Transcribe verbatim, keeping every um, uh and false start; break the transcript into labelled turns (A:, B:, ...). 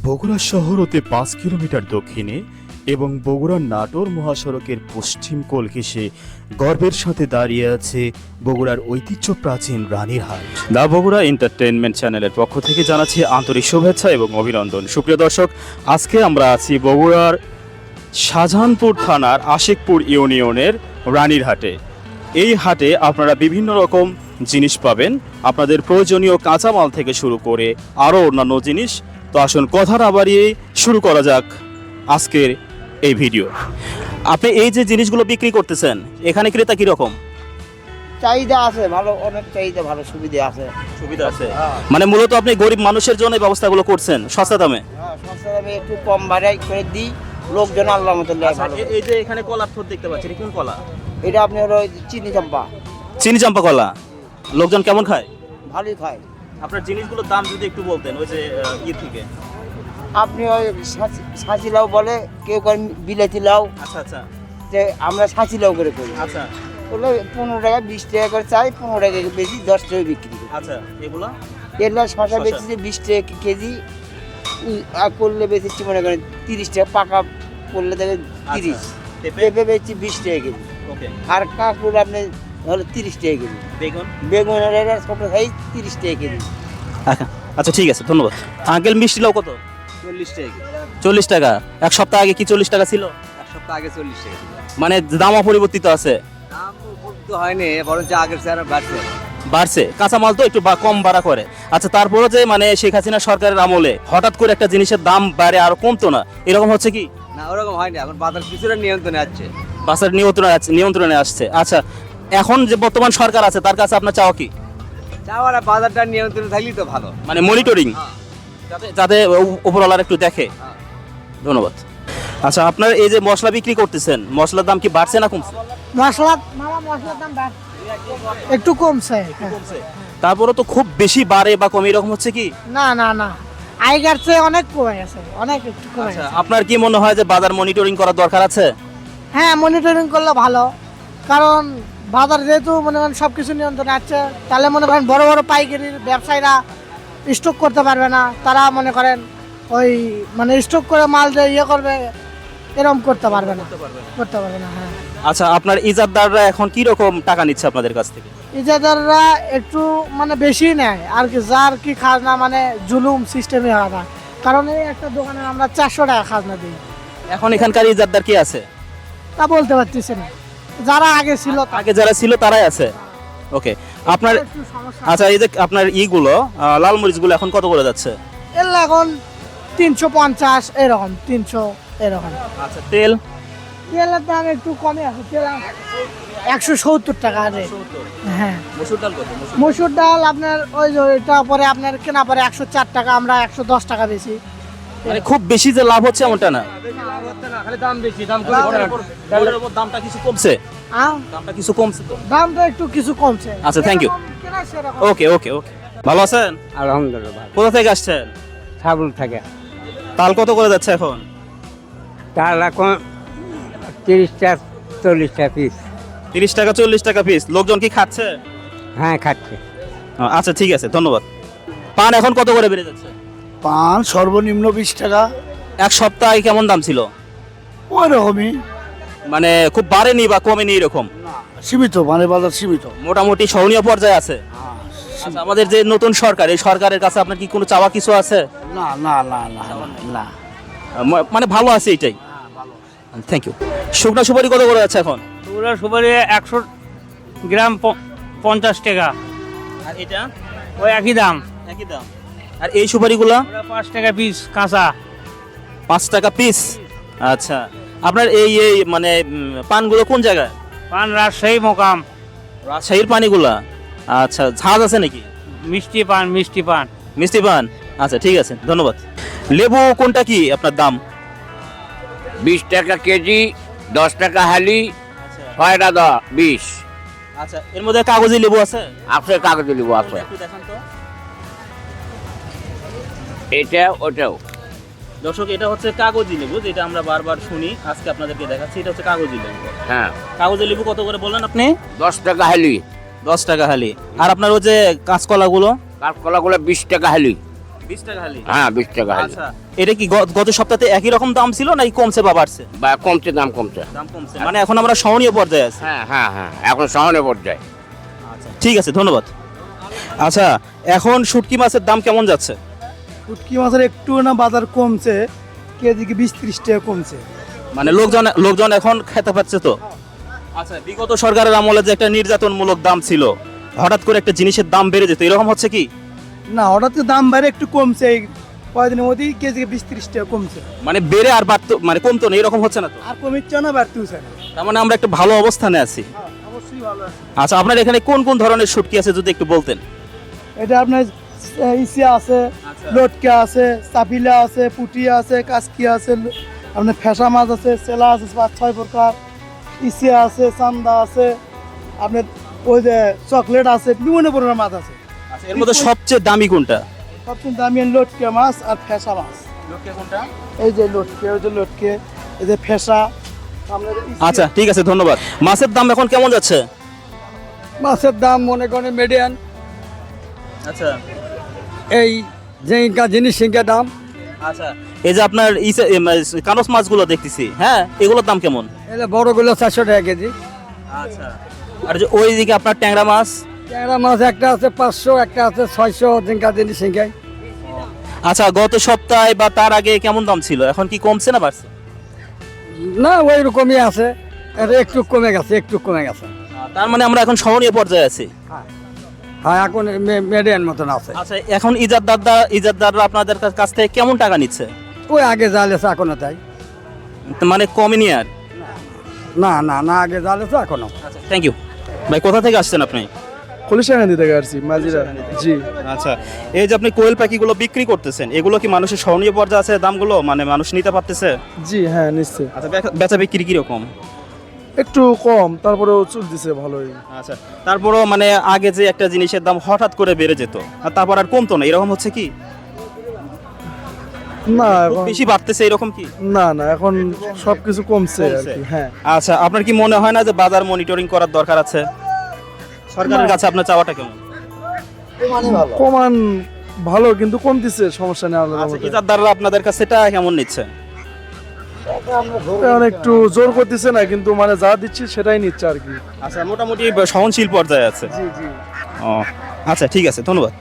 A: বগুড়া শহর হতে পাঁচ কিলোমিটার দক্ষিণে এবং বগুড়ার নাটোর মহাসড়কের পশ্চিম কোল ঘেঁষে গর্বের সাথে দাঁড়িয়ে আছে বগুড়ার ঐতিহ্য প্রাচীন রানীরহাট। দা বগুড়া এন্টারটেইনমেন্ট চ্যানেলের পক্ষ থেকে জানাচ্ছি আন্তরিক শুভেচ্ছা এবং অভিনন্দন। সুপ্রিয় দর্শক, আজকে আমরা আছি বগুড়ার শাহজাহানপুর থানার আশিকপুর ইউনিয়নের রানীরহাটে। এই হাটে আপনারা বিভিন্ন রকম জিনিস পাবেন, আপনাদের প্রয়োজনীয় কাঁচামাল থেকে শুরু করে আরও অন্যান্য জিনিস। তো আসুন কথা না বাড়িয়ে শুরু করা যাক আজকের এই ভিডিও। আপনি এই যে জিনিসগুলো বিক্রি করতেছেন, এখানে ক্রেতা কিরকম?
B: চাহিদা আছে ভালো, অনেক চাহিদা, ভালো সুবিধা আছে।
A: সুবিধা আছে মানে মূলত আপনি গরিব মানুষের জন্য এই ব্যবস্থাগুলো করছেন সস্তা দামে।
B: হ্যাঁ, সস্তা দামে একটু কম ভাড়ায় করে দিই, লোকজন আল্লাহ মতো নেয় ভালো।
A: এই যে এখানে কলার থোর দেখতে পাচ্ছেন, কোন কলা?
B: এটা আপনি হলো ওই চিনি চম্পা।
A: চিনি চাম্পা কলা। লোকজন কেমন খায়?
B: ভালোই খায়।
A: আপনার জিনিসগুলোর দাম যদি একটু বলতেন, ওই যে ই থেকে।
B: আপনি ওই সাঁচি লাউ বলে, কেউ করেন বিলাতি লাউ।
A: আচ্ছা আচ্ছা
B: যে আমরা সাঁচি লাউ করে করি।
A: আচ্ছা
B: ওগুলো পনেরো টাকা বিশ টাকা করে চাই, পনেরো টাকা বেশি, দশ টাকা বিক্রি করি।
A: আচ্ছা এগুলো
B: এগুলো শশা
A: শসা।
B: বেচেছি বিশ টাকা কেজি, আর করলে বেচেছি মনে করেন তিরিশ টাকা, পাকা করলে দেবে তিরিশ। পেঁপে বেচছি বিশ টাকা কেজি।
A: ওকে।
B: আর কাঁকড় আপনি হলো তিরিশ টাকা কেজি।
A: বেগুন
B: বেগুনের এটা ছোট সাইজ তিরিশ টাকা কেজি।
A: আচ্ছা ঠিক আছে, ধন্যবাদ। আঙ্কেল মিষ্টি লাউ কত?
C: চল্লিশ টাকা কেজি।
A: চল্লিশ টাকা। এক সপ্তাহ আগে কি চল্লিশ টাকা ছিল?
C: এক সপ্তাহ আগে চল্লিশ টাকা ছিল।
A: মানে দাম অপরিবর্তিত আছে?
C: দাম উপকৃত হয়নি, বরঞ্চ আগের চেয়ে আরো বাড়ছে।
A: বাড়ছে, কাঁচামাল তো একটু বা- কম বাড়া করে। আচ্ছা, তারপরে যে মানে শেখ হাসিনা সরকারের আমলে হঠাৎ করে একটা জিনিসের দাম বাড়ে আর কমতো না, এরকম হচ্ছে কি?
C: না, ওরকম হয়নি, এখন বাজার কিছুটা নিয়ন্ত্রণে আছে।
A: বাসের নিয়ন্ত্রণে আছে, নিয়ন্ত্রণে আসছে। আচ্ছা, এখন যে বর্তমান সরকার আছে তার কাছে আপনার চাওয়া কি?
C: চাওয়ার বাজারটা নিয়ন্ত্রণে থাকলেই তো ভালো।
A: মানে মনিটরিং, যাতে যাতে উ- উপরওয়ালার একটু দেখে।
C: হ্যাঁ।
A: ধন্যবাদ। আচ্ছা, আপনার এই যে মশলা বিক্রি করতেছেন, মশলার দাম কি বাড়ছে না কমছে?
D: মশলা মামা মশলার দাম বাড়- একটু কমছে। হ্যাঁ।
A: তারপরে তো খুব বেশি বাড়ে বা কমে, এরকম হচ্ছে কি?
D: না না না, আগের চেয়ে অনেক কমে গেছে, অনেক একটু কমে
A: আচ্ছা,
D: গেছে।
A: আপনার কি মনে হয় যে বাজার মনিটরিং করার দরকার আছে?
D: হ্যাঁ, মনিটরিং করলে ভালো, কারণ বাজার যেহেতু মনে করেন সব কিছু নিয়ন্ত্রণে আছে, তাহলে মনে করেন বড় বড় পাইকারির ব্যবসায়ীরা স্টক করতে পারবে না। তারা মনে করেন ওই মানে স্টক করে মাল যে ইয়ে করবে, এরকম করতে পারবে না, করতে পারবে না। হ্যাঁ,
A: আচ্ছা, আপনার ইজাদদাররা এখন কি রকম টাকা নিচ্ছে আপনাদের কাছ থেকে?
D: ইজাদাররা একটু মানে বেশি নেয় আর কি, যার কি খাজনা মানে জুলুম সিস্টেমে হয় না। কারণ এই একটা দোকানে আমরা চারশো টাকা খাজনা দিই,
A: এখন এখানকার ইজাদদার কি আছে?
D: তা বলতে পারতেছি না। যারা আগে ছিল তা-
A: আগে যারা ছিল তারাই আছে। ওকে। আপনার
D: একটু সমস্যা।
A: আচ্ছা, এই যে আপনার ইগুলো আহ, লাল মরিচগুলো এখন কত করে যাচ্ছে?
D: এগুলো এখন তিনশো পঞ্চাশ এরকম, তিনশো এরকম।
A: আচ্ছা, তেল?
D: তেলের দাম একটু কমে আছে, তেল একশো সত্তর টাকা রেট। হ্যাঁ,
A: মসুর ডাল কত?
D: মসুর ডাল আপনার ওই যে ওইটা পরে আপনার কেনা পরে একশো চার টাকা, আমরা একশো দশ টাকা বেশি।
A: মানে খুব বেশি যে লাভ হচ্ছে এমনটা না।
C: খালি দাম বেশি, দাম
A: ডালের উপর দামটা কিছু কমছে,
D: আহ,
A: দামটা কিছু কমছে তো।
D: দামটা একটু কিছু কমছে।
A: আচ্ছা, thank you.
D: যেরকম কেনা সেরকম।
A: ওকে ওকে ওকে। ভালো আছেন?
E: আলহামদুলিল্লাহ।
A: কোথা থেকে আসছেন?
E: সাবুল থাকে।
A: তাল কত করে যাচ্ছে এখন?
E: তার এখন তিরিশটা চল্লিশটা পিস।
A: তিরিশ টাকা চল্লিশ টাকা পিস। লোকজন কি খাচ্ছে?
E: হ্যাঁ, খাচ্ছে।
A: আচ্ছা ঠিক আছে, ধন্যবাদ। পান এখন কত করে বেড়ে যাচ্ছে?
F: পান সর্বনিম্ন বিশ টাকা,
A: এক সপ্তাহ আগে কেমন দাম ছিল?
F: ওই রকমই
A: মানে খুব বাড়েনি বা কমেনি এরকম?
F: সীমিত, মানে বাজার সীমিত।
A: মোটামুটি সহনীয় পর্যায়ে আছে। আচ্ছা, আমাদের যে নতুন সরকার, এই সরকারের কাছে আপনার কি কোনো চাওয়া কিছু আছে?
F: না না না না না।
A: ম- মানে ভালো আছে এইটাই। Thank you. শুকনা সুপারি কত করে যাচ্ছে এখন?
G: পুরো সুপারি একশো গ্রাম প- পঞ্চাশ টাকা।
A: আর এটা
G: ওই একই দাম।
A: একই দাম। আর এই সুপারিগুলো
G: ওরা পাঁচ টাকা পিস কাঁচা।
A: পাঁচ টাকা পিস। আচ্ছা, আপনার এই এই মানে উম, পানগুলো কোন জায়গায়?
G: পান রাজশাহী মোকাম।
A: রাজশাহীর পানিগুলা? আচ্ছা, ঝাঁজ আছে নাকি?
G: মিষ্টি পান, মিষ্টি পান।
A: মিষ্টি পান? আচ্ছা ঠিক আছে, ধন্যবাদ। লেবু কোনটা কি আপনার দাম?
H: বিশ টাকা কেজি, দশ টাকা হালি, ছয়টা দ বিশ।
A: আচ্ছা, এর মধ্যে কাগজি লেবু আছে?
H: আপনার কাগজে লিবু আছে,
A: একটু দেখান তো।
H: এটা ওটাও।
A: দর্শক, এটা হচ্ছে কাগজি লেবু, যেটা আমরা বারবার শুনি, আজকে আপনাদেরকে দেখাচ্ছি। এটা হচ্ছে কাগজি লেবু।
H: হ্যাঁ,
A: কাগজি লেবু কত করে বললেন আপনি?
H: দশ টাকা হালি।
A: দশ টাকা হালি। আর আপনার ওই যে কাঁচকলাগুলো?
H: কাঁচকলাগুলো বিশ টাকা হালি।
A: বিশ টাকা হালি।
H: হ্যাঁ বিশ টাকা হালি।
A: আচ্ছা, এটা কি গ- গত সপ্তাহে একই রকম দাম ছিল নাকি কমছে বা বাড়ছে?
H: বা কমছে, দাম কমছে।
A: দাম কমছে, মানে এখন আমরা সহনীয় পর্যায়ে আছি।
H: হ্যাঁ হ্যাঁ হ্যাঁ, এখন সামনে পর্যায়ে।
A: ঠিক আছে, ধন্যবাদ। আচ্ছা, এখন শুটকি মাছের দাম কেমন যাচ্ছে?
F: শুটকি মাছের একটু না বাজার কমছে, কেজিকে বিশ ত্রিশ টাকা কমছে।
A: মানে লোকজন লোকজন এখন খেতে পাচ্ছে তো? আচ্ছা, বিগত সরকারের আমলে যে একটা নির্যাতনমূলক দাম ছিল, হঠাৎ করে একটা জিনিসের দাম বেড়ে যেত, এরকম হচ্ছে কি?
F: না, হঠাৎ করে দাম বাইরে একটু কমছে, এই কয়েকদিনের মধ্যেই কেজিকে বিশ ত্রিশ টাকা কমছে।
A: মানে বেড়ে আর বাড়তো, মানে কমতো না, এরকম হচ্ছে না তো?
F: আর কমিচ্ছে না, বাড়তেছে না।
A: তার মানে আমরা একটা ভালো অবস্থানে আছি।
F: অবশ্যই ভালো আছে।
A: আচ্ছা, আপনার এখানে কোন কোন ধরনের শুটকি আছে যদি একটু বলতেন?
F: এটা আপনার ইসিয়া আছে, লটকা আছে, চাপিলা আছে, পুটিয়া আছে, কাসকি আছে, আপনার ফেসা মাছ আছে, সেলা আছে পাঁচ ছয় প্রকার, ইসিয়া আছে, চান্দা আছে, আপনার ওই যে চকলেট আছে, বিভিন্ন প্রকার মাছ আছে।
A: আচ্ছা, এর মধ্যে সবচেয়ে দামি কোনটা?
F: সবচেয়ে দামি লটকা মাছ আর ফেসা মাছ।
A: কোনটা?
F: এই যে লটকে, ওই যে লটকে, এই যে ফেসা। আপনার ইসিয়া।
A: আচ্ছা, ঠিক আছে, ধন্যবাদ। মাছের দাম এখন কেমন যাচ্ছে?
C: মাছের দাম মনে করেন মিডিয়ান,
A: আচ্ছা
C: এই যে ইনকা জিনিস সিনকা দাম।
A: আচ্ছা, এই যে আপনার ইসে- এম, কানস মাছগুলো দেখতেছি, হ্যাঁ, এগুলোর দাম কেমন?
C: এলে বড়গুলো চারশো টাকা কেজি।
A: আচ্ছা, আর যে ওইদিকে আপনার ট্যাংরা মাছ?
C: ট্যাংরা মাছ একটা আছে পাঁচশো, একটা আছে ছয়শো, জিনকা জিনিস সিনকাই।
A: আচ্ছা, গত সপ্তাহে বা তার আগে কেমন দাম ছিল, এখন কি কমছে না বাড়ছে?
C: না ওই রকমই আছে, এটা একটু কমে গেছে, একটু কমে গেছে।
A: তার মানে আমরা এখন সহনীয় পর্যায়ে আছি।
C: হ্যাঁ এখন মিডিয়ান মতন আছে।
A: আচ্ছা, এখন ইজাদদাররা ইজাদদাররা আপনাদের কা- কাছ থেকে কেমন টাকা নিচ্ছে?
C: ওই আগে জালেছে এখনো তাই।
A: মানে কমেনি আর?
C: না না না, আগে জালেছে এখনো।
A: আচ্ছা, থ্যাংক ইউ ভাই। কোথা থেকে আসছেন আপনি?
F: কলিশাকান্দি থেকে আসছি, মাঝিরা। জি।
A: আচ্ছা, এই যে আপনি কোয়েল পাখিগুলো বিক্রি করতেছেন, এগুলো কি মানুষের সহনীয় পর্যায়ে আছে দামগুলো, মানে মানুষ নিতে পারতেছে?
F: জি হ্যাঁ, নিশ্চয়ই।
A: আচ্ছা, বেচা- বেচা বিক্রি কিরকম?
F: একটু কম, তারপরেও চলতেছে ভালোই।
A: আচ্ছা, তারপরও মানে আগে যে একটা জিনিসের দাম হঠাৎ করে বেড়ে যেত আর তারপর আর কমতো না, এরকম হচ্ছে কি?
F: না
A: খুব
F: এখন,
A: বেশি বাড়তেছে এরকম কি?
F: না না, এখন সবকিছু কমছে আর
A: কমছে।
F: কি। হ্যাঁ।
A: আচ্ছা, আপনার কি মনে হয় না যে বাজার মনিটরিং করার দরকার আছে? সরকারের কাছে আপনার চাওয়াটা কেমন?
F: কমান ভালো, কিন্তু কমতেছে, সমস্যা নেই আমাদের
A: আচ্ছা,
F: মধ্যে।
A: ইজাদদাররা আপনাদের কাছে টাকা কেমন নিচ্ছে?
F: এখন একটু জোর করতেছে না, কিন্তু মানে যা দিচ্ছি সেটাই নিচ্ছে আর কি।
A: আচ্ছা, মোটামুটি সহনশীল পর্যায়ে আছে।
F: জি জি।
A: ও আচ্ছা, ঠিক আছে, ধন্যবাদ।